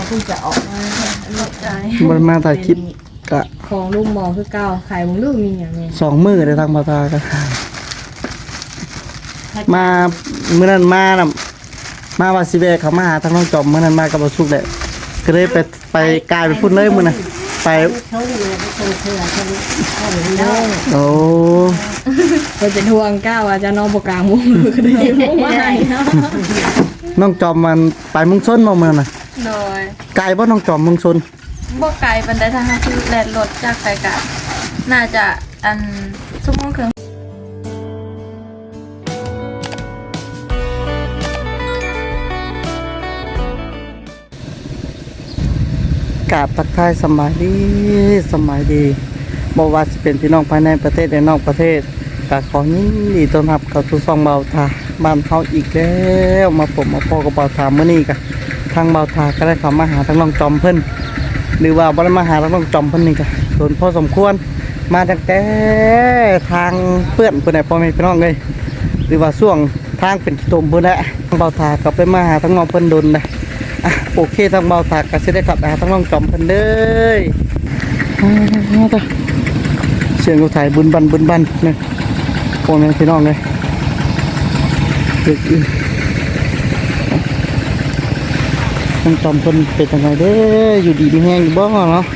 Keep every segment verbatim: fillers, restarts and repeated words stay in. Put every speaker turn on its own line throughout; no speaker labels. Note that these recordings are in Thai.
เพิ่งจะออกมาลดใจ
มันมาถ่ายคลิปกะ
ของลูกหมอคือเก่าขายของลูกมีอย่างนี้
สองมือเลยทางบาตาก็มาเมื่อนั้นมาน่ะมาว่าสิเวเขามาหาทางน้องจอมเมื่อนั้นมากับบ่สุกแหละก็เลยไปไปกลายไปพูดเลยมื้อน่ะไป
ชงเลยไปชงเสือชงชงเด้อ
โอ้
ไปเป็นห่วงก้าวอาจจะนอนบกลางมุ้งก็ได้มุ้งว่าไงเนาะ
น้องจอมมันไปเมึงชนบ่มื้อน่ะ
โดย
ไกลบ่น้องจอมเมึงชน
บ่ไกลบันไดทางคือแล่นรถจากไกลกะน่าจะอันชั่วโมงครึ่ง
กราบทักทายสมัยดีสมัยดีบ่ว่าสิเป็นพี่น้องภายในประเทศและนอกประเทศก็ขอยินดีต้อนรับเข้าสู่ช่องเบาทาบ้านเฮาอีกแล้วมาผมมาพอกับเบาทามื้อนี้ก็ทางเบาทาก็ได้เข้ามาหาทางน้องจอมเพิ่นหรือว่าบ่ได้มาหาทางน้องจอมเพิ่นนี่ก็โดนพอสมควรมาตั้งแต่ทางเปื้อนเพิ่นได้พ่อแม่พี่น้องเอ้ยหรือว่าช่วงทางเป็นขี้ตมพุ่นแหละเบาทาก็ไปมาหาทางน้องเพิ่นโดนได้อ่ะโอเคทางเบาทาก็สิได้กลับไปหาทางน้องจอมเพิ่นเด้อเสียงเขาถ่ายบุญบันบุญบันเนี่ยพ่อแม่พี่น้องเลยเด็กอีต้องจอมคนเป็นยังไงเด้ออยู่ดีมีแห้งอยู่บ้างเนาะ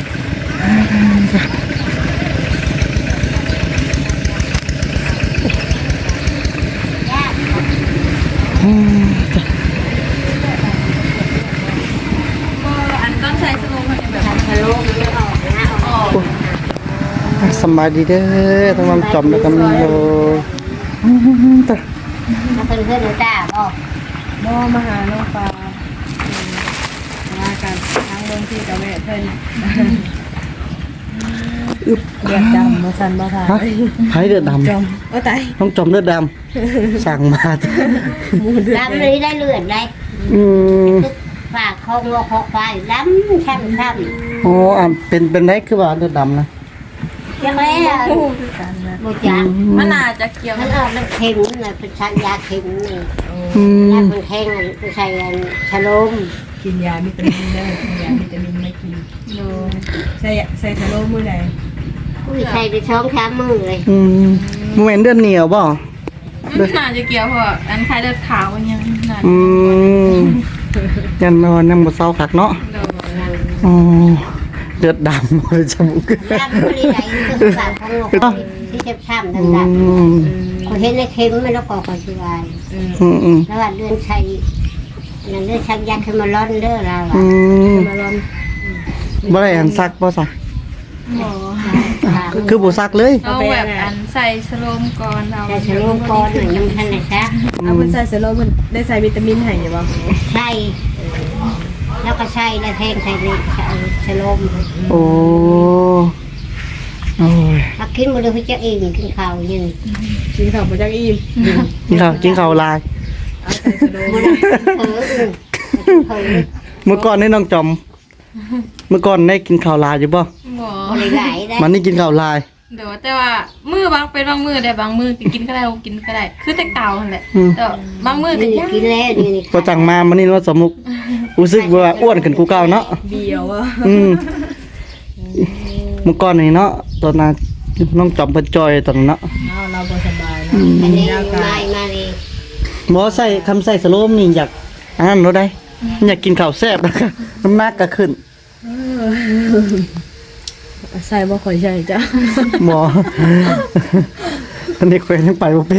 อันต้นใช้สโลว์มันแบบ
ทะลุไม่ออกนะออก
สบายดีเด้อทั้งน้องจอมแล้วก็มีโย
ถ้าเพื่อนเพื่อนหนูจ้าบอก
บ่มาหาน้องปลามากันทั้งเรื่องที่กับแม่เพิ่น
อึบ
เดือดดำมาสั่นบ่ทา
ฮะให้เดือดด
จอมเอ้ตาย
ำน้องจอมเลือดดำสั่งมา
มูเดือด
ล้ำเลยได้เลือดเลย
อืม
ฝากคงงอคอควายล้ำช่ำช่
โอ้อ่ะเป็นเป็นไรคือว่าเลือดดำนะ
ำยังไงอ่ะ
คู่คือกันนะ
บูจัง
มันน่าจะเกี่ยว
มันออกมันเค็มนี่เป็นชันยาเค็มนี่
อืม
ยาเป็นแข็งไปใส่ชะลม
กินยาวิตามินได้กินยาวิตามินไม่กิน
โดย
ใส่ใส่สโลมื้อใด
อุ้ยใส่ไปช้องช้ามือเลย
อืมโมเมนเดือดเหนียวบ่
มันน่าจะเกี่ยวเพราะอันคล้ายเลือดขาวมันยังน่า
อืมยันนอนยังบ่เศร้าคักเนาะ
โดย
อ๋อเลือดดำเลยจมูก
ล้ำไม่ได้คือฝากคงงอคอที่เจ็บช้ำ
อื
ดำ
ม
ๆคนเห็นในเค็มมันแล้วก็คอยช่วย
อืม
อืมอืม
แล้วว่าเลื่อนชัยนั่นเลื่อนชักยักษ์ขึ้นมาร้อนเด้อเรา
อื
อ่ะ
ม
มาลอน
บ่ได้อันซักบ่ซะ
หมอ
คือบ่ซักเลย
เอาแบบอันใส่สโลมก่อนเรา
แต่ชะโลมก่อนหน่อยยังทันได้ซัก
เอาเพิ่นใส่สโลมันได้ใส่วิตามินให้อยู่บ่
ใช่แล้วก็ใช่แล้วแทงใส่เลยชะโลม
โอ้โอ้ย
ถ้ากินหมดเลยพี่จะเองกินข้าวยัง
กินข้าวบ่จักอิ่ม
กินข้าวกินข้าวลาย
เอาใส่สโล
หมด
ม
เออเออเออ
เมื่อก่อนนี่น้องจอม เมื่อก่อนได้กินข้าวลายอยู่บ่
หมอ
หมดเลยไหลได้
มันนี่กินข้าวลาย
เดี๋ยวแต่ว่ามือบางเป็นบางมือได้บางมือกินก็ได้บ่กินก็ได้ คือแต่เก่านั่นแหละ
อืม
แต่บางมือก็
นี่
ยัง
กินแล้วนี่นี่
ก็จังมามันนี่ว่าสมุกรู้สึกว่าอ้วนขึ้นกูเก่าเนาะ
เบียวอ่ะ
อืมเมื่อก่อนนี่เนาะตอนนั้นน้องจอมเพิ่นจอยตอนนั้นเนาะ
เอาเราบ่สบาย
อื
เนาะ
ม
อันนี้มามาเลย
บ่ใส่คำใส่สโลมนี่อยากอันนั้นรถได้อยากกินข้าวแซ่บนะคะน้ำหนักก็ขึ้น
ใส่บ่ค่อยใช่จ้ะ
หมอ อันนี้เคยยังไปบ่เป็น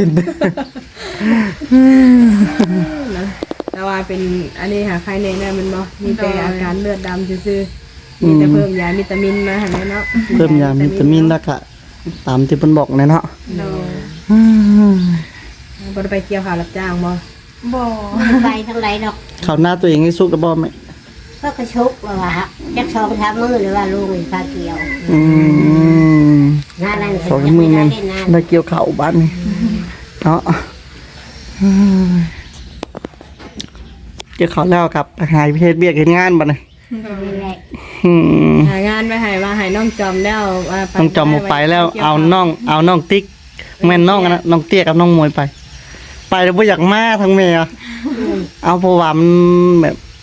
แต่ว่าเป็นอันนี้หาใครในนั้นมันบ่มีแต่อาการเลือดดำซื่อๆมีแต่เพิ่มยาวิตามินมาหั่นแหละเนาะ
เพิ่มยาวิตามินแล้วก็ตามที่เพิ่นบอกแน่เนาะ
โดย
อืม
บ่ได้ไปเกี่ยวข้าวรับจ้างบ่
บ่
ไปทั้งไรดอก
ข้าวหน้าตัวเองให้สุกแล้วบ่แม่
ก็กระชุกว่าฮะจักสองสามมือหรือว่าลูกพาเกี่ยว
อืม
หน้านั่น
สองมือแม่นได้เกี่ยวข้าวบ้านนี่เนาะอืมเกี่ยวข้าวแล้วครับหายเพศเบียกเฮ็ดงานบัดนี้
นี่แหละ
อืม
หางานไปให้ว่าให้น้องจอมแล้วว่าไป
น้องจอมออกไปแล้วเอาน้องเอาน้องติ๊กแม่นน้องอะนะน้องเตี้ยกับน้องมวยไป ไปแล้วบ่อยากมาทั้งแม่อะเอาเพราะว่ามันแบบ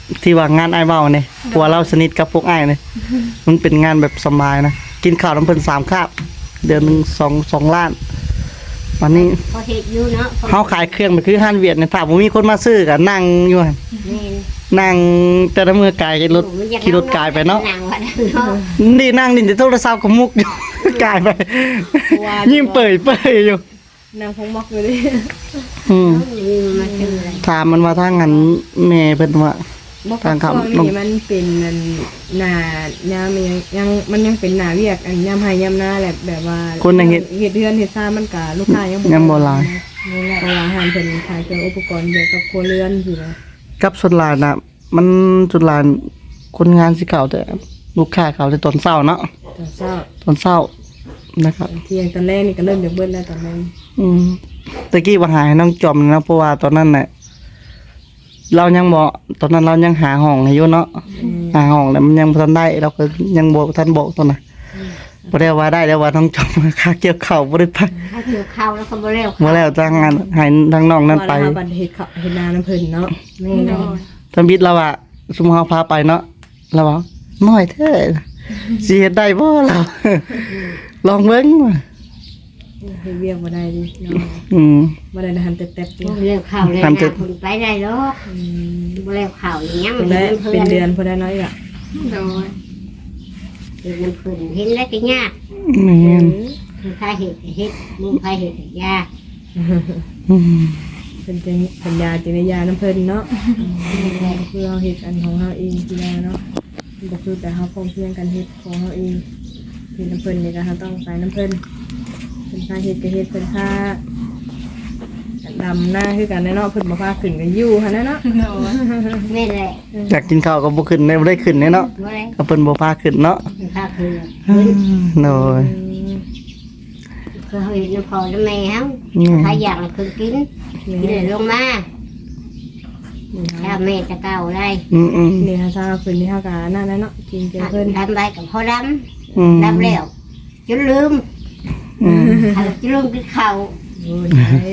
ที่ว่างานอ้ายเว้าเนี่ยเพราะว่าเราสนิทกับพวกอ้ายเนี่ยมันเป็นงานแบบสบายนะกินข้าวน้ำเพิ่นสามคาบเดือนหนึงสอง สองล้านวันนี้
พอเฮ็ดอยู่เนาะ
เฮาขายเครื่องไปคือห้านเวียดเนี่ยถ้าบ่มีคนมาซื้อก็นั่งอยู่หั่น
แม่น
นั่งแต่ละมือกายรถขี่รถกายไปเนาะ
นั่งว่าเนาะ
นี่นั่งนี่แต่โทรศัพท์ก็มุกอยู่ กายไป ยิ้มเปื่อยเปื่อยอยู่
นางพงมักอยู่เลย
อืม
มีมาซื้ออะไร
ถามมันว่าทางงั้นแม่เพิ่นว่า
บอก
ทาง
ช่วง
คำ
นี้มันเป็นอันหน้ายามยังยังมันยังเป็นหน้าเวียกอันยามให้ยามหน้าแหละแบบว่า
คนในเฮ็ด
เฮ็ดเฮือนเฮ็ดซ่านมันก็ลูกค้ายัง
ยังบ่หลาย
นี่แหละเพราะว่าอาหารเพิ่นขายเครื่องอุปกรณ์เกี่ยวกับครัวเรือนสินะ
กับส่วนหลายน่ะ มันส่วนหลายคนงานสิเข้าแต่ลูกค้าเข้าแต่ตอนเช้าเนาะ
ตอนเช้า
ตอนเช้านะครับ
ตอนเที่ยงตอนแรกนี่ก็เริ่มจากเบิดแล้วตอนนั้น
อืมตะกี้ว่าหาให้น้องจอมนะเพราะว่าตอนนั้นน่ะเรายังบ่ตอนนั้นเรายังหาห้องให้อยู่เนาะหาห้องแล้วมันยังบ่ทันได้เราก็ยังบ่ทันบอกตอนน่ะบ่ได้ว่าได้แล้วว่าน้องจอมค่าเกี่ยวข้าวบ่ได้ไป
ถ้าเกี่ยวข้าวแล้วก็บ่แล้ว
บ่แล้วจ้างงานให้ทางน้องนั่นไป
ว่าเราบัดเฮ็ดข้าวเฮ็ดนาน้ำเพิ่นเนาะ
แม่น
ทำบิดเราว่าสมมุติเฮาพาไปเนาะเราว่าน้อยแท้สิเฮ็ดได้บ่เรา ลองเบิ่งว่ะ
เฮ็ดเวียกบ่ได้ดิเนาะ
อืม
บ่ได้หันแต่แต๊บๆดิ
บ่แล้วข้าวแล้ว
ทำจะ
นะคนไปได้หรอก
อืม
บ่แล้วข้าวอีหยัง
เป็นได้เป็นเดือนพอได้น้อยอ่ะ
โดย
เฮ็ดน้ำเพิ่นเห็นแล้วก็ยาก
แม่น
คือใครเฮ็ดก็เฮ็ดมึงใครเฮ็ดก็ยาก
อืม
เป็นจังเป็นยาจินยาน้ำเพิ่นเนาะคือเฮาเฮ็ดอันของเฮาเองทีละเนาะบ่คือแต่เฮาพร้อมเพรียงกันเฮ็ดของเฮาเองเฮ็ดน้ำเพิ่นนี่ก็เฮาต้องไปน้ำเพิ่นเพิ่นพาเฮ็ดก็เฮ็ดเพิ่นพาดำหน้าคือกันเนาะเพิ่นบ่พาขึ้นก็อยู่หั่นน่ะเนาะ
โดย
แม่นแหละ
อยากกินข้าวก็บ่ขึ้นได้บ่ได้ขึ้นแน่เนาะ
บ่ได้
ก็เพิ่นบ่พาขึ้นเนาะ
เป็นข้าวคือ
อืมโน้ย
คือเฮาเฮ็ดน้ำพอน้ำแม่เฮา
อืม
ใครอยากก็คือกินกินแล้วลงมาถ้าแม่จะเก่าได้
อืมอืม
นี่ฮะซาขึ้นนี่เฮาก็นั่นแหละเนาะกินเจเพิ่น
ทำไปกับพ่อด
อืม
ำดำแล้วจนลืม
อืม
ถ้าจะลืมกินข้าว
โอ้ย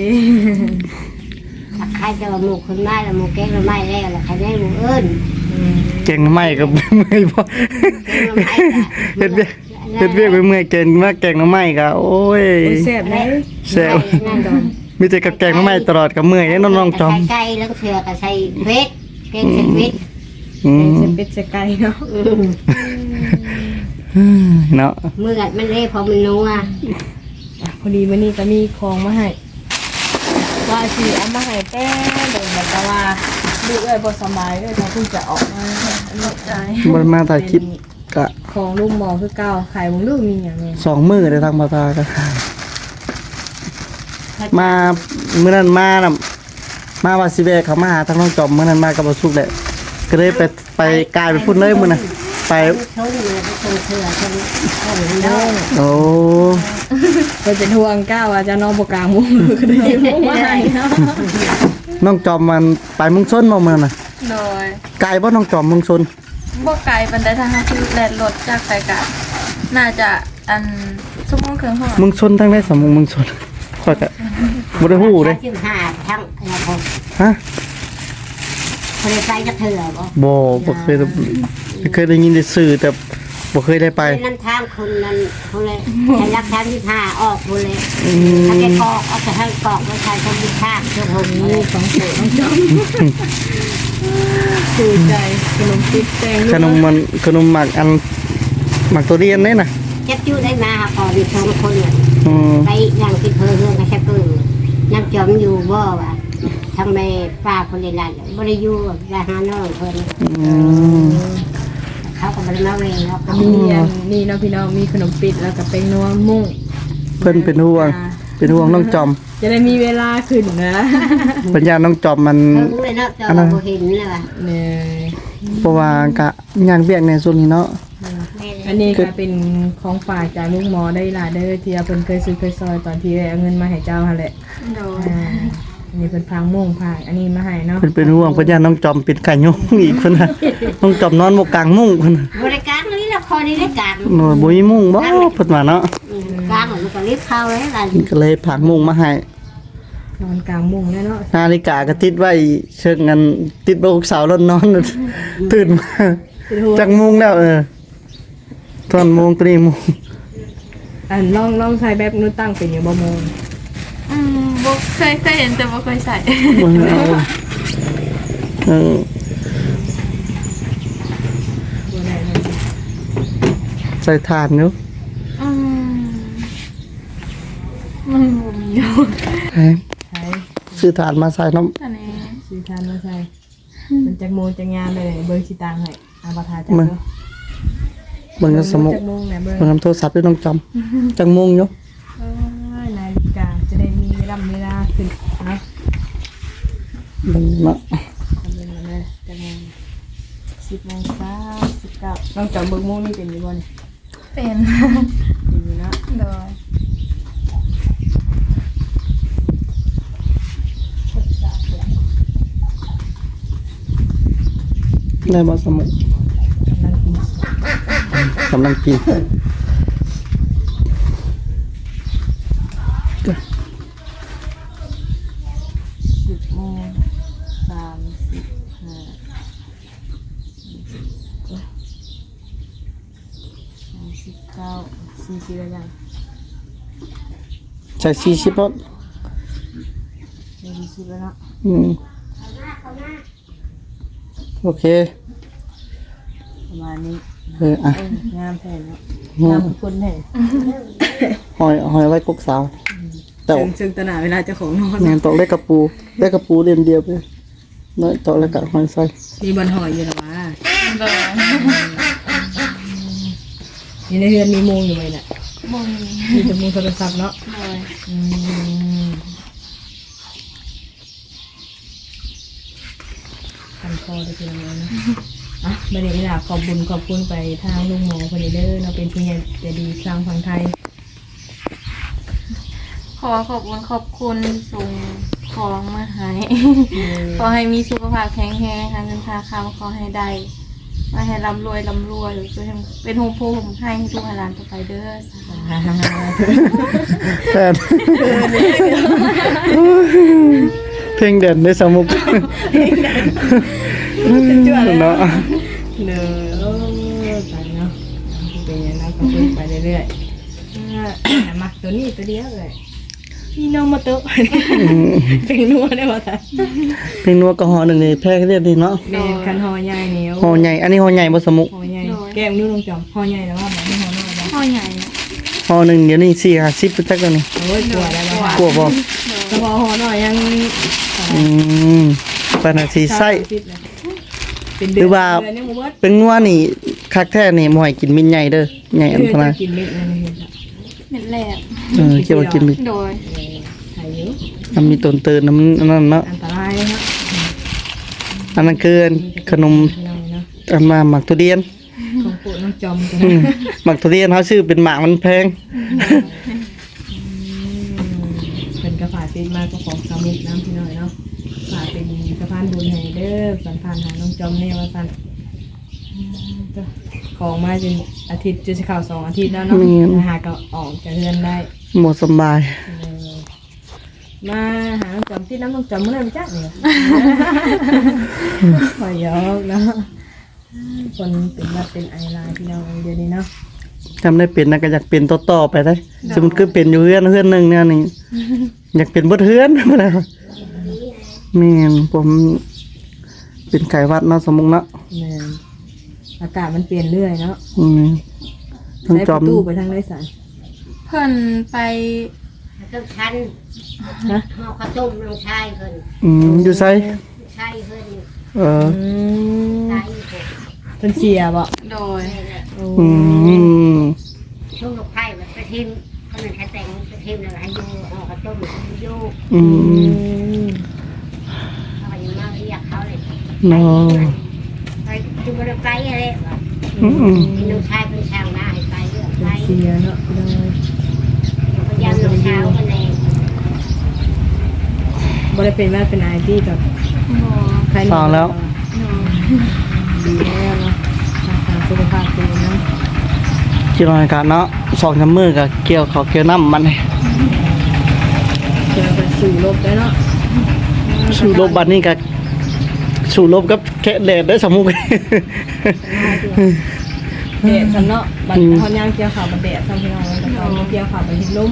ถ้าใครจะว่าหมูคนไม้แล้วหมูแกงละไม้แล้วแล้วใครได้หมูเอิ้น
เก่งไม่ก็เมื่อยบ่
แกงละไม้ก็
เฮ็ดเวียกเฮ็ดเวียกไปเมื่อยเก่งมากแกงหน่อไม้ก็โอ้ย
โอ้ยแซ่บเลย
แซ่บ
นั่นดอก
มีแต่กับแกงหน่อไม้ตลอดก็เมื่อยเด้น้องๆจอม
ใส่ไก่แล้วเสือก็ใส่เวทแกงใส่เวท
อื
เป็น
ม
เส้นเป็ดเส้นไก่เนาะ
เนาะ
มือกัดมันเละพอมันนัว
อ่ะพอดีมื้อนี้ก็มีของมาให้ว่าสิเอามาให้แต่เดี๋ยวแบบว่าลูกเอ้ยบ่สบายเอ้ยเขาเพิ่งจะออกมาอันนี้ใจ
บ่ได้มาถ่ายคลิปก็
ของลูกหมอคือเก่าขายบ่รู้มีหยังแม่
สองมื้อได้ทางมาตาก็มามื้อนั้นมาน่ะมาว่าสิแวะเขามาหาทางน้องจอมมื้อนั้นมากับบ่สุกแหละก็เลยไปไปกายไปพุ่นเลยมื้อน่ะไป
ชนเลยไปชนเสือชนชนมันเด้อ
โอ้
เพิ่นเป็นห่วงก้าวว่าจะนอนบ่กลางมุ้งก็ได้มุ้งมาให้เนาะ
น้องจอมมันไปเมุงชนบ่มื้อน่ะ
โดย
ไกลบ่น้องจอมเมุงชน
บ่ไกลปานใดถ้าเฮาคือแล่นรถจากไกลกะน่าจะอันชั่วโมงครึ่งฮอด
เมุงชนทางได้สมมุงเมุงชนข้อยก็บ่ได้ฮู้เด้
ทั้งห้าทั้งอะไรผม
ฮะ
คนได้ไปจะเถื่อบ่
บ่บ่เคยได้เคยได้ยินได้สื่อแต่บ่เคยได้ไป
นั่นทางคนนั้นเขาเลยใช้รักทางที่ห้าออกคนเลย
อืม
ถ้าแกกอกเอาแต่ให้กอกไม่ใช่คนที่ข้างเจ้าผม
นี่ของโปรดน้องจอมชื่อใจขนมปิ๊บแตง
ขนมมันขนมหมักอันหมักตัวเรียนนี่น่ะ
เจ็บจู้ได้มาก่อนมีสองคนเนี่ย
อืม
ไปยังที่เพอเรื่องกระชับเพิ่งน้ำจอมอยู่บ่วะทางแม่ป้าคนเรียนรันบ่ได้อยู่ราหาน้องเพิ่น
อืม
เขาก็บ่ได้มาเวรแล้วเขา
มีอันนี่เนาะพี่น้องมีขนมปิดแล้วก็เป็นนัวมุ้ง
เพิ่นเป็นห่วง เป็นห่วงน้องจอม
จะได้มีเวลาขึ้นนะ
ปัญญาน้องจอมมัน
เพิ่งเลยเนาะจอมบ่เห็นเลยว่ะ
เนี่ย
เพราะว่ากะยากเวียกในส่วนนี้เนาะ
อันนี้ก็เป็นของฝากจากลูกหมอได้ล่ะเด้อที่เพิ่นเคยซื้อเคยซอยตอนที่เอาเงินมาให้เจ้าหั่นแหละ
โดย
อ่าอันนี้เพิ่นพางม่วงพางอันนี้มาให้เนาะ
เพิ่นเป็นห่วงปัญญาน้องจอมเป็นไก่ยงอีกเพิ่นน่ะน้องจอมนอนบ่กลางมุ้งเพิ่นน่ะ
บริการนี่ละครนี่ได้การ
โอ้ยบ่มีมุ้งบ่เพิ่นว่าเนาะ
การของมันก็รีบเข้าเลยล่ะ
ก็เลยผากมุ้งมาให้
นอนกลางมุ้งแน่เนาะ
นาฬิกาก็ติดไว้เชิงกันติดไว้อกเสาแล้วนอน ตื่นมาจากโมงแล้วเออตอนโมงตรีโมง
อันลองลองใช้แบบนู้นตั้งเป็นอยู่บ่โมง
อืมบ่เคยเคยเห็นแต่บ่เคยใส่
เออ
บ่ได้เลย
ใส่ถ่านอยู่
อืมมันบ่มีอยู่
แพง
ใช้
ซื้อถ่านมาใส่น้
อันนี้
ซื้อทานมาใช้มันจักโมงจักยามได้เลยเบิ่งสิตังให้อาประทาจัก
ำมัน
เนาะ
เบิ่งกันสมุก
จักโมงแหน่เบิ่ง
เบิ่งน้ำโทรศัพท์ด้วยน้องจำจังโมงอยู่
เอ้ยนาฬิกาจะได้มีเวลาเวลาขึ้นเนาะ
เบิ่งเนาะ
ทำเป็นมาเลยจักโมงสิบโมงเช้าสิบเก้าต้องจำเบิ่งโมงนี่เป็นอยู่บ่นี่
เป็น
เป็นอยู่เนาะ
โดย
ได้บ่สมุก
กำลังกิน
กำลังกิน
สิบโมงสามสิบห้าสามสิบเก้าสี่สิบแล้วยัง
ใส่สี่สิบรถ
สี่สิบแล้วเนาะ
อืมโอเค
ประมาณนี้
เอออ่ะ
เอองามแผ่นเนาะ
อืม
งามทุกคนแผ่น
หอยหอยไว้กกสาวแต่
ซึ่งซึ่งตนาเวลาเจ้าของนอน
งานตอกเล็กกระปูเล็กกระปูเรียนเดียวไปน้อยตอกเล็กกับหอยใส่
มีบอลหอยอยู่หรอวะ
โดย
มีในเรือนมีโมงอยู่ไหมเนี่ย
บ่มี
มีแต่โมงโทรศัพท์เนาะ
โดย
อืมคันคอได้ทีละมื้อนะอ่ะไม่ได้เวลาขอบบุญขอบคุณไปทางลุงหมอคนนี้เด้อเราเป็นผู้ใหญ่ใจดีสร้างฝั่งไทย
ขอขอบคุณขอบคุณส่งของมาให้ ขอให้มีสุขภาพแข็งแรงค่ะเงินทาคำขอให้ได้มาให้ร่ำรวยร่ำรวยเป็นโฮมโพผมให้ทุกหลานต่อไปเด้อ
แทนเพลงเด่นในสมุกเนาะ
เด้อไปเนาะเป็นอย่างนั้นก็พูดไปเรื่อยๆอ่ามักตัวนี้ตัวเดียวเลยพี่น้องมาโต๊ะเป็นนัวได้ป่ะท่าน
เพลงนัวกระหอหนึ่งนี่แพ้เรียบดีเนาะ
เป็นคันหอใหญ่เหนียว
หอใหญ่อันนี้หอใหญ่บ่สมุก
หอใหญ่แก้มนิ้วลงจอมหอใหญ่แล้วว่าแบบไม่หอน้อยนะ
พ่อใหญ่
หอหนึ่งเดี๋ยวนี้สี่ห้าสิบจักแล้วนี่
โอ้ยกลัวแล้วนะ
กลัวบ่
แต่พอหอน้อยยัง
อืมปานนาทีไส้
เป็นเดือนเดือนยังบ่เบิด
เป็นงัวนี่คักแท้นี่บ่ให้กินมินใหญ่เด้อใหญ่อัน
เดือน
ตราย
จะกินเม็ดอะไรเห็นจ้ะ
เป็นแหลก
เออเกี่ยวกับกินมิน
โดย
ไข่เยอะ
มันมีต้นเตือนน้ำอันนั้นเนาะ
อันตรายเลยครับ
อันนั้นคือขนม
พี่น้องเนาะ
อันมาหมักทุเรียน
ของโปรดน้องจอมจ้ะ
อืมหมักทุเรียนเขาชื่อเป็นหมากมันแพง
เป็นกระฝากเป็นมาก็ของสามุกน้ำพี่น้อยเนาะฝากเป็นสะพานบุญให้เด้อสันพานหาน้องจอมแน่ว่าสันของมาจนอาทิตย์จะเข้าสองอาทิตย์แล้วเนาะหาก็ออกจากเรือนได้
หมดสบาย
เออมาหาน้องจอมที่น้ำน้องจอมเมื่อไหร่ไม่จักเนี่ยขอยอกเนาะคนเป็นวัดเป็นไอลายพี่น้องเดี๋ยวนี้เนาะ
จำได้เป็นนะก็อยากเป็นต่อๆไปได้สมมติคือเป็นอยู่เฮือนเฮือนหนึ่งเนี่ยนี่อยากเป็นบดเฮือน มาแล้วแม่นผมเป็นไก่วัดเนาะสมมุติเนาะ
แม่นอากาศมันเปลี่ยนเรื่อยเนาะ
อืมทั้ง
ใช้
จ
ป
อ
ระ
ม
ตูไปทางไรสาย
เพิ่นไป
ต้องชัน
ฮะ
ห่อข้าวต้มลงชายเพิ่น
อืมอยู่ไส
ชายเพิ่น
เออ
อืม
ชายเพิ่น
เป็นเสียบ่
โดย
โอ้
อืม
ช่วงลูกไผ่แบบไปทิมเขาเป็นแค่แต่งไปทิมแล้วให้อยู่ห่อข้าวต้มอยู่
อื
อื
ม
ม
เขาก็ยังมาเรียกเขาเลย
เนาะ
ไปจุบไปอะไรแบบ
อืมอืม
ลูกชายเป็นช่างมาให้ไปเรื่อง
เป็
ไป
นเสียเนาะพี่น้อง
พยายามลงเช้ากันเอง
บ่ได้เป็นว่าเป็นไอที่กับ
บ่
ใคร
ฟังแล้ว
โดย
ดีแล้วเนาะรักษาสุขภาพตัวเนาะ
คิดว่ากันเนาะสองจำมือกับเกี่ยวเขาวเกี่ยวน้ำมันนี่
เจอกันสู่ลบได้เนาะ
สู้รบบัดนี้ก็สู้รบกับแค่แดดได้อสมุก
แดดซำเนาะบัดเฮาย่างเกี่ยวข้าวบัดแดดซำพี่น้องแล้วก็เอาเกี่ยวข้าวบัดเฮ็ดลม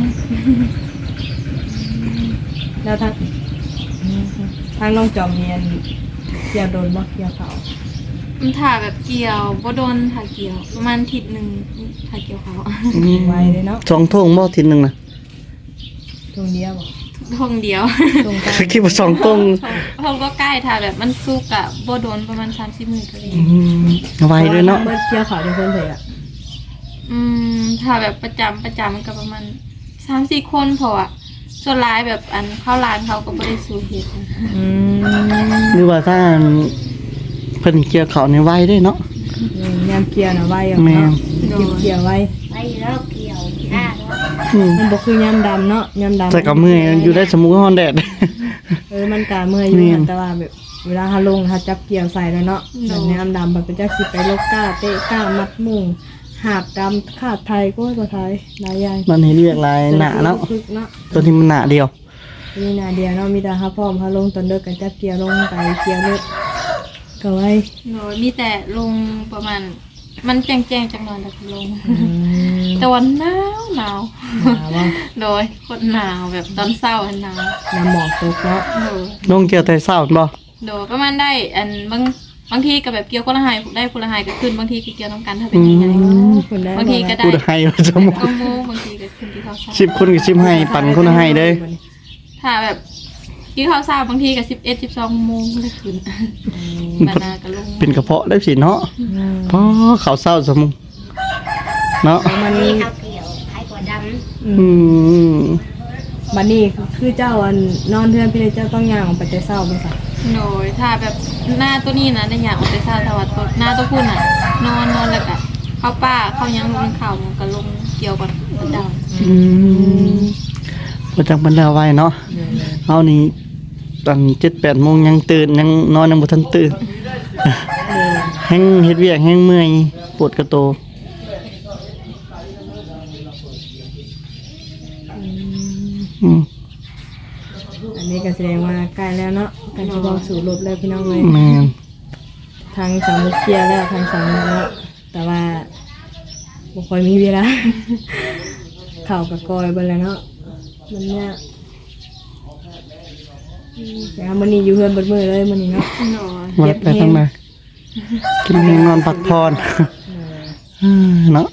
แล้วทางทางน้องจอมเนียนเกี่ยวโดนบ่เกี่ยวข้าว
มันถ่าแบบเกี่ยวบ่โดนถ่าเกี่ยวประมาณอาทิศนึงถ่าเกี่ยวเขา
ไวเลยเนาะ
สองทงบ่ทีนึงน่ะ
ตรงเดียวบ่
ทงเดียว
ตรงกลาง
คิดว่าสองทง
ทงก็ใกล้ถ่าแบบมันสุกอะบ่โดนประมาณสามสิบมื้อก็เลย
อืมไวด้วยเนาะ
เบิดเกี่ยวข้าวได้เพิ่นเถอะอ่ะ
อืมถ่าแบบประจำประจำมันก็ประมาณสามสี่คนพออะส่วนหลายแบบอันเข้าร้านเขาก็บ่ได้สู่เฮ็ดนะ
อืม
หรือว่าถ้าเพิ่นเกี่ยวเขาวในไวด้วยเนาะ
ยามเกี่ยวน่ะไวอ่ะ
แม่
เนาะเก็บเกี่ยวไว
ไปแล้วเกี่ยวห้าแล้ว
อืม
มันบ่คือยามดำเนาะยามดำ
แต่ก็เมื่อยอยู่ได้สมุกฮ้อนแดด
เออมันก็เมื่อยอยู่
แม่น
แต่ว่าแบบเวลาหาลงหาจับเกี่ยวใส่แล้วเนาะแบบยามดำแบบเป็นจักสิไปลกก้าเตะก้ามัดมุงหาบดำขาดไทยก็ตัวไทยหลายอย่าง
มันเห็นเรียกหลายหนาเนาะ
คึกเนาะ
ตัวที่มันหนาเดียว
มีหนาเดียวเนาะมีแต่หาพร้อมหาลงตอนเลิกกันจับเกี่ยวลงไปเกี่ยวเลิกก็ไว้
โดยมีแต่ลงประมาณ มันแจ้งๆจังหน่อยแต่ก็ลง
อืม
แต่วันหนาวหนาว
หาว่า
โดยคนหนาวแบบตอนเศร้าอันหนาว
น้ำหมอกตกเนาะ
โดย
ลงเกี่ยวแต่เศร้าบ่
โดยประมาณได้อันบางบางทีก็แบบเกี่ยวคนละหายได้คนละหายก็ขึ้นบางทีก็เกี่ยวน้ำกันถ้าเป็นยังไง
คุณได้
บางทีก็ได้
พูดให้ว่าสมุก
ก็โม่บางทีก็ขึ้นที่เขาเศร้า
สิบคนกับสิบให้ปั่นคนละให้เด้อ
ถ้าแบบที่เขาเศร้าบางทีก็สิบเอ็ดสิบสองโมงเลยขึ้นบานาก็ลง
เป็นกระเพาะได้สิเนาะ
อืม
เพราะเขาเศร้าสมุกเนาะ
มัน
นี่เขาเกี่ยวใครกว่าดำ
อื
อื
ม
ม
บัดนี้คือเจ้าอันนอนเทือนพี่เลยเจ้าต้องย่างออกไปแต่เช้าบ่ซะ
โดยถ้าแบบหน้าตัวนี้นะในอย่างออกไปซาตะวันตกหน้าตัวพูดน่ะ นอนนอนแล้วก็เข้าป้าเข้ายังลงข่าวมันก็ลงเกี่ยวกับประดาว
อืมพอจังบรรดาไว้เนาะเอานี่ตอนเจ็ดแปดโมงยังตื่นยังนอนยังบ่ทันตื่นแห้งเฮ็ดเวียกแห้งเมื่อยปวดกระโต อืม
อันนี้ก็แสดงว่าใกล้แล้วเนาะการที่บอกสู่รบแล้วพี่น้องเลย
แม่น
ทางสามมุกเคลียร์แล้วทางสามมุกแล้วแต่ว่าบ่ค่อยมีเวลา เข่าวกับกอยเบิ่แล้วเนาะมันเนี่ยอืมแต่ว่ามื้อนี้อยู่เฮือนเบิดมื้อเลยมื้อนี้เนาะ
โดย
วัดไปทางไหนกินแห้งนอนพักผ่อนอืมเนาะ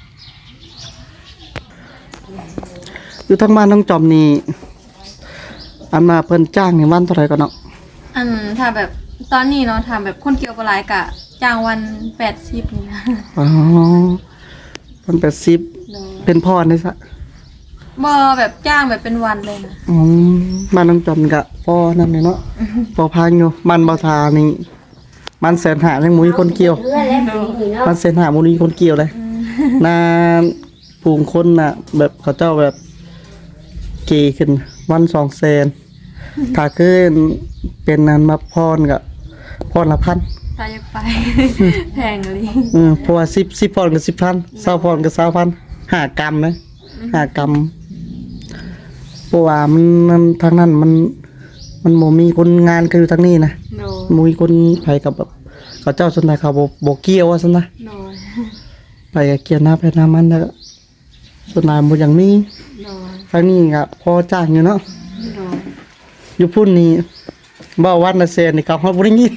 อยู่ทางบ้านน้องจอมนี่อันมาเพิ่นจ้างในวันเท่าไหร่ก็เนาะ
อันถ้าแบบตอนนี้เนาะถ้าแบบคนเกี่ยวกับหลายกะจ้างวันแปดสิบนี่นะ
อ๋อเพิ่นแปดสิบ
โดย
เป็นพรได้ซะ
บ่แบบจ้างแบบเป็นวันเลยนะ
อืมบ้านน้องจอมกะพอนั่นเลยเนาะพอพังอยู่บ้านเบาทานี่มันแสนหายังมุ้ยคนเกี่ยว
เรือแล้วปีนี้เนาะ
มันเส้นหามุนีคนเกี่ยวเลยนาผูงคนน่ะ แบบเขาเจ้าแบบเกขึ้น วันสองแสนถ้าขึ้นเป็นนั้นมาพรกับพรละพัน
ถ้าอยากไป แพงเลย
เออเพราะว่าสิบสิบพรกับสิบพันเศร้าพรกับเศร้าพันหากรรมนะหากรรมเพราะว่ามันมันทางนั้นมันมันโมมีคนงานคือทางนี้นะ
โดย
โมมีคนไปกับแบบเขาเจ้าสนใจเขาบอกบอกเกี่ยวว่าสนนะ
โดย
ไปกับเกียร์หน้าไปหน้ามันแล้วก็ส่วนนายหมดอย่างนี้
โดย
ครั้งนี้ก็พอจ้างอยู่เนาะ
โดย
อยู่พุ่นนี่บ่วันละเซนนี่เขาเฮาบ่ได้ยิน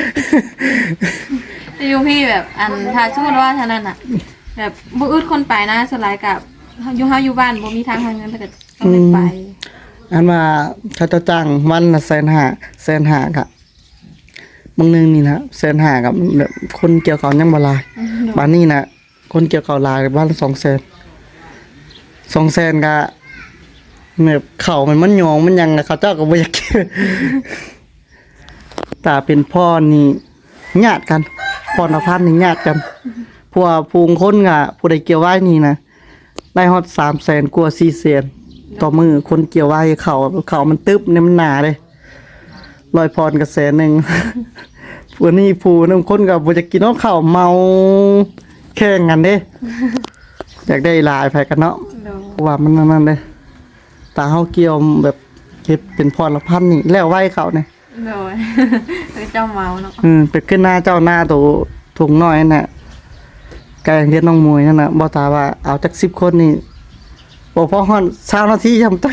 แต่อยู่พี่แบบอันถ้าสมมติว่าเท่านั้นอ่ะ แบบบ่อึดคนไปนะสลายกับอยู่เฮาอยู่บ้านบ่มีทางหาเงินแต่ก็ต้องได้ไป
อันว่าเขาเจะจ้างวันละแสนห้าแสนห้าก็บางหนึงนี่นะแสนห้ากับแบบคนเกี่ยวเขาวยังบ่หลายบ้านนี้น่ะคนเกี่ยวเขาวหลายบ้านละสองแสนสองแสนก็แบบเขามันมันหยองมันหยังน่ะเขาเจ้าก็บ่อยากเกี่ยว ตาเป็นพ่อนี่ญาติกันพ่อนภัสนี่ญาติกันพวกภูงคนก็ผู้ใดเกี่ยวไว้นี่นะได้ฮอดสามแสนกว่าสี่แสนต่อมือคนเกี่ยวไว้เขาเขามันตึบเนี่ยมันหนาเลยลอยพรกับแสนหนึ่ง พวกนี้ผู้นึงคนก็บ่จะกินเนาะข้าวเมาแข่งกันเด้ อยากได้หลายไผกันเนาะ
โดย
เพราะว่ามันนั่นๆเด้ตาเฮาเกี่ยวแบบแฮ็ดเป็นพรละพันนี่แล้วไว้เขาเนี่ย
โดย คือเจ้าเมาเนาะ
อืมเป็ดขึ้นหน้าเจ้าหน้าตัวถุงน้อยนั่นน่ะไก่เฮ็ดน้องมวยนั่นน่ะบ่ตาว่าเอาจักสิบคนนี่บ่พอฮอดสามนาทีจำตัก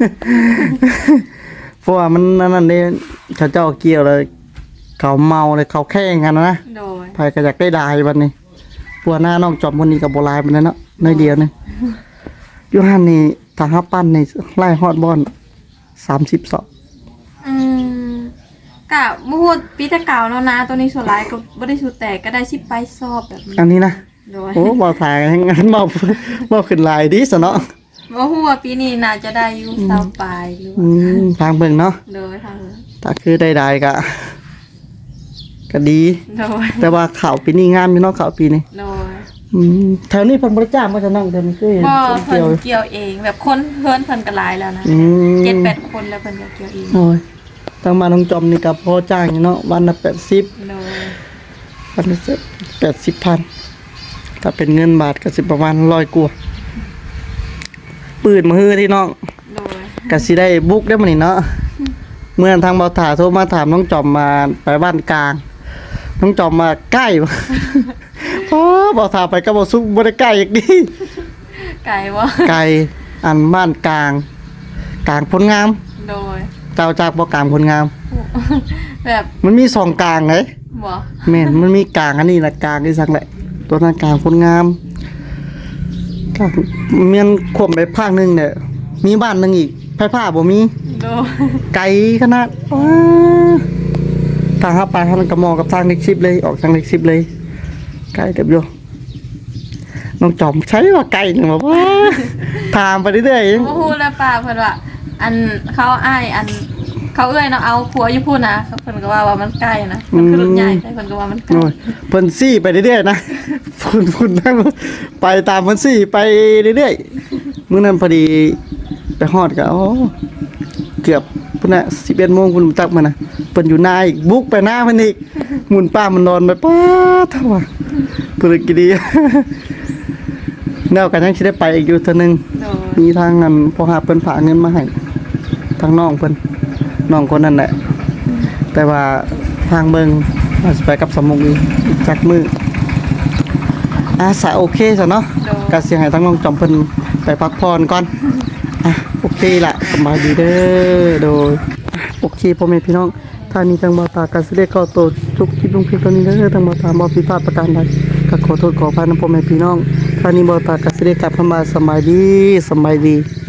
เพราะว่ามันนั่นนี่เขาเจ้าเกี่ยวเลยเขาเมาเลยเขาแข่งกันนะ
โดย
ไผก็อยากได้ดายบัดนี้ปัวหน้าน้องจอมคนนี้ก็บ่หลายปานนั้นเนาะน้อยเดียวนึงอยู่หั่นนี่ถ้าหาปั้นนี่ไล่ฮอดบ่อนสามสิบสอง
อืมกะบ่ฮู้ปีแต่เก่าเนาะนะตัวนี้ส่วนหลายก็บ่ได้สูแตกก็ได้สิไปสอบแบบนี้
อันนี้นะ
โดย
โอ้บ่ถ่ายให้งั้นบ่บ่ขึ้นหลายดีซะเนาะ
บ่ฮู้ว่าปีนี้น่าจะได้อยู่เศร้าปลายหรือ
อื
ว่าม
ทางเบิ่งเนาะ
โดยทาง
ถ้าคือได้ๆก็ก็ดี
โดย
แต่ว่าข่าวปีนี้งามอยู่เนาะข่าวปีนี้
โดย
อืมแถวนี้เพิ่นบ่ได้จ้างว่าจะนั่งเดินคือเห็น
บ่
คน
เพิ่
เกี่ยวน
เกี่ยวเองแบบคนเพิ่นเพิ่นก็หลายแล้วนะ
อืม
เจ็ดแปดคนแล้วเพิ่นก็เกี่ยวเอง
โอ้ยทางบ้านน้องจอมนี่ก็พอจ้างอยู่เนาะวันละแปดสิบ
โดย
วันละแปดสิบพันถ้าเป็นเงินบาทก็สิประมาณร้อยกว่าปืนมาฮื้อที่น้อง
โดย
ก็สิได้บุกได้มื้อนี้เนาะเมื่อทางเบาถาโทรมาถามน้องจอมมาไปบ้านกลาง น้องจอมมาใกล้ บ่ พอเบาถาไปก็บ่สุกบ่ได้ใกล้อีกดี
ไก่บ่
ไกลอันบ้านกลาง กลางพลงาม
โดย
เจ้าจากบ่กลางพลงาม
แบบ
มันมีสองกลางเลย
บ่
แม่นมันมีกลางอันนี้ละกลางที่สักแหละ ตัวนั้นกลางพลงามกลางเมียนข่มไปภาคหนึงเนี่ยมีบ้านหนึงอีกไผผ้าบ่มี
โดย
ไกลขนาดว้าทางเข้าไปทางกระมองกับทางเล็กซิบเลยออกทางเล็กซิบเลยไกลเต็มอยู่น้องจอมใช้ว่าไกลหนึ่งบอกว่า ถามไปเรื่อยๆยัง
บ่ฮู้แล้วป้าเพิ่นว่า อันเขาอ้ายอันเขาเอ้ยเนาะเอาผัวอยู่พูดนะเพิ่นก็ว่าว่ามันใกล้นะมันคือรถใหญ่แต่เพิ่นก็ว่ามันใกล้
โอ้ยเพิ่นซี่ไปเรื่อยๆนะ พุ่นพุ่นนั่งไปตามเพิ่นซี่ไปเรื่อยๆมื้อนั้นพอดีไปฮอดก็โอ้เกือบพุ่นน่ะสิบเอ็ดโมงพุ่นตักมานะเพิ่นอยู่หน้าอีกบุกไปหน้าเพิ่นอีกหมุนป้ามันนอนไปป๊าดเท่าว่าเพิ่นกินดี แนวกันยังสิได้ไปอีกอยู่เทื่อนึง
โดย
มีทางนั้นพอหาเพิ่นฝากเงินมาให้ทางน้องเพิ่นน้องคนนั้นแหละแต่ว่าทางเบิงอาจสิไปกับสมมุกอีกอีกจักมืออาสาโอเคซะเนาะก็สิให้ทางน้องจอมเพิ่นไปพักผ่อนก่อนอ่ะโอเคล่ะสบายดีเด้อโดยอ่ะโอเคพ่อแม่พี่น้องท่านี้ทางบ่าวตาก็สิได้เข้าโตวทุกคลิปลงคลิปตอนนี้เด้อทางบ่าวตาบ่ผิดพลาดประการใดก็ขอโทษขออภัยนำพ่อแม่พี่น้องท่านี้บ่าวตาก็สิได้กลับเข้ามาสบายดีสบายดี